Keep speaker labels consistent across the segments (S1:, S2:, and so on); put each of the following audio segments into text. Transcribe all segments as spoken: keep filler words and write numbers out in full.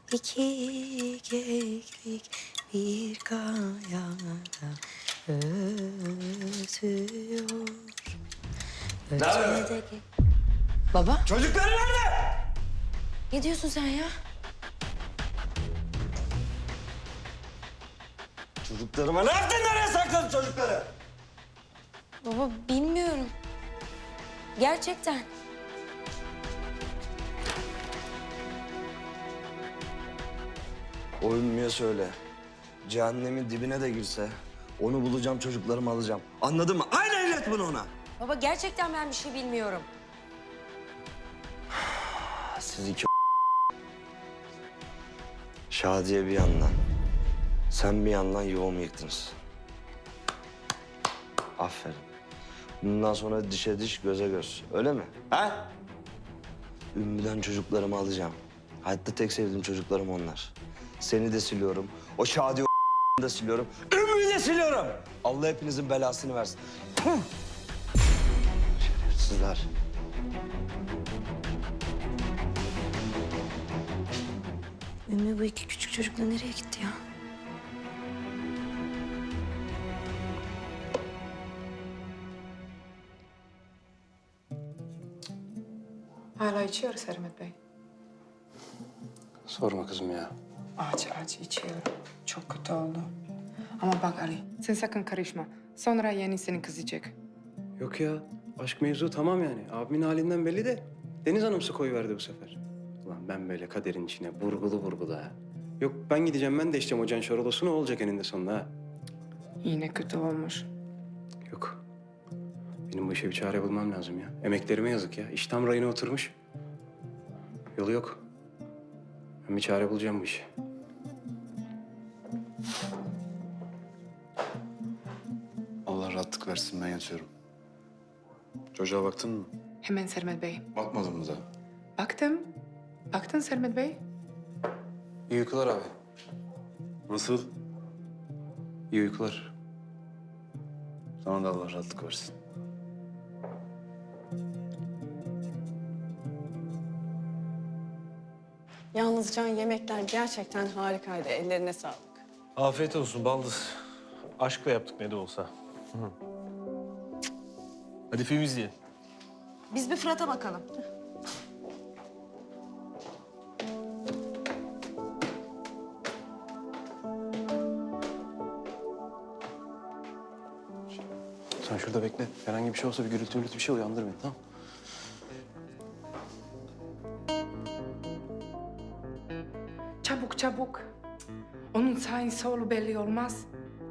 S1: İki keklik bir kayada ötüyor.
S2: Nerede?
S1: Baba,
S2: Çocukları nerede?
S1: ne diyorsun sen ya?
S2: Çocuklarıma nerede? Nereye sakladın çocukları?
S1: Baba bilmiyorum. Gerçekten.
S2: O Ümmü'ye söyle. Cehennemin dibine de girse onu bulacağım, çocuklarımı alacağım. Anladın mı? Aynen ilet bunu ona.
S1: Baba gerçekten ben bir şey bilmiyorum.
S2: Siz iki Şadiye bir yandan, sen bir yandan yuvamı yıktınız. Aferin. Bundan sonra dişe diş, göze göz. Öyle mi? Ha? Ümmü'den çocuklarımı alacağım. Hayatta tek sevdiğim çocuklarım onlar. Seni de siliyorum. O Şadiye o da siliyorum. Ümmü'yü de siliyorum. Allah hepinizin belasını versin. Hı! Şerefsizler.
S1: Ümmü bu iki küçük çocukla nereye gitti ya?
S3: Hala içiyor Sermet Bey.
S4: Sorma kızım ya.
S3: Aç aç içiyorum. Çok kötü oldu. Ama bak Ali, sen sakın karışma. Sonra yenisini kızacak.
S4: Yok ya. Aşk mevzu tamam yani. Abimin halinden belli de Deniz Hanım su koyuverdi bu sefer. Ulan ben böyle kaderin içine vurgulu vurgulu ha. Yok ben gideceğim ben de içeceğim o Can Şorolos'u ne olacak eninde sonunda ha.
S3: Yine kötü olmuş.
S4: Yok. Benim bu işe bir çare bulmam lazım ya. Emeklerime yazık ya. İş tam rayına oturmuş. Yolu yok. Ben bir çare bulacağım bu işe.
S5: Allah rahatlık versin, ben yatıyorum. Çocuğa baktın mı?
S3: Hemen Sermet Bey.
S5: Bakmadım mı da?
S3: Baktım. Baktın Sermet Bey.
S4: İyi uykular abi.
S5: Nasıl?
S4: İyi uykular.
S5: Sana da Allah rahatlık versin.
S6: Yalnız Can yemekler gerçekten harikaydı. Ellerine sağlık.
S7: Afiyet olsun baldız. Aşkla yaptık ne de olsa. Hı. Hadi film izleyelim.
S6: Biz bir Fırat'a bakalım.
S4: Sen şurada bekle. Herhangi bir şey olsa bir gürültü gürültü bir şey uyandır beni tamam.
S3: Çabuk çabuk. Onun sağ solu belli olmaz.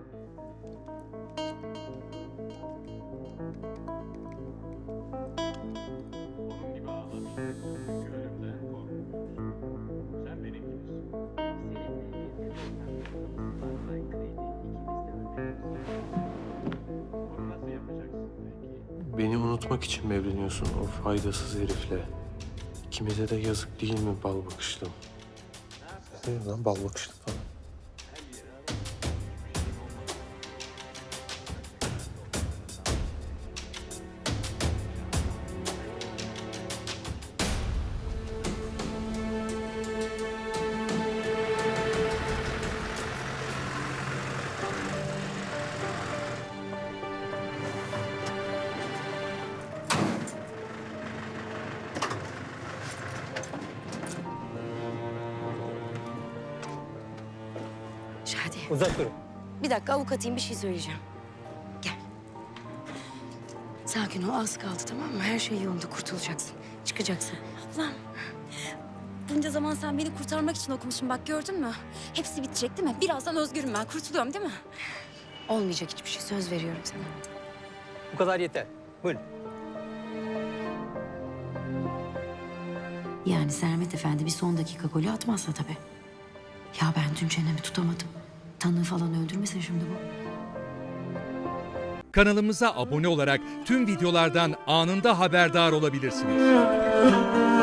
S7: Beni unutmak için mi evleniyorsun o faydasız herifle? İkimize de yazık değil mi bal bakışlım? Ne lan bal bakışlı falan?
S1: Şadiye.
S7: Uzak durun.
S1: Bir dakika avukatıyım bir şey söyleyeceğim. Gel. Sakin ol az kaldı tamam mı? Her şey yolunda kurtulacaksın. Çıkacaksın.
S8: Ablam, bunca zaman sen beni kurtarmak için okumuşsun. Bak gördün mü? Hepsi bitecek değil mi? Birazdan özgürüm ben. Kurtuluyorum değil mi?
S1: Olmayacak hiçbir şey söz veriyorum sana.
S9: Bu kadar yeter. Buyurun.
S1: Yani Sermet Efendi bir son dakika golü atmazsa tabii. Ya ben dün çenemi tutamadım. Tanığı falan öldürmesin şimdi bu.
S10: Kanalımıza abone olarak tüm videolardan anında haberdar olabilirsiniz.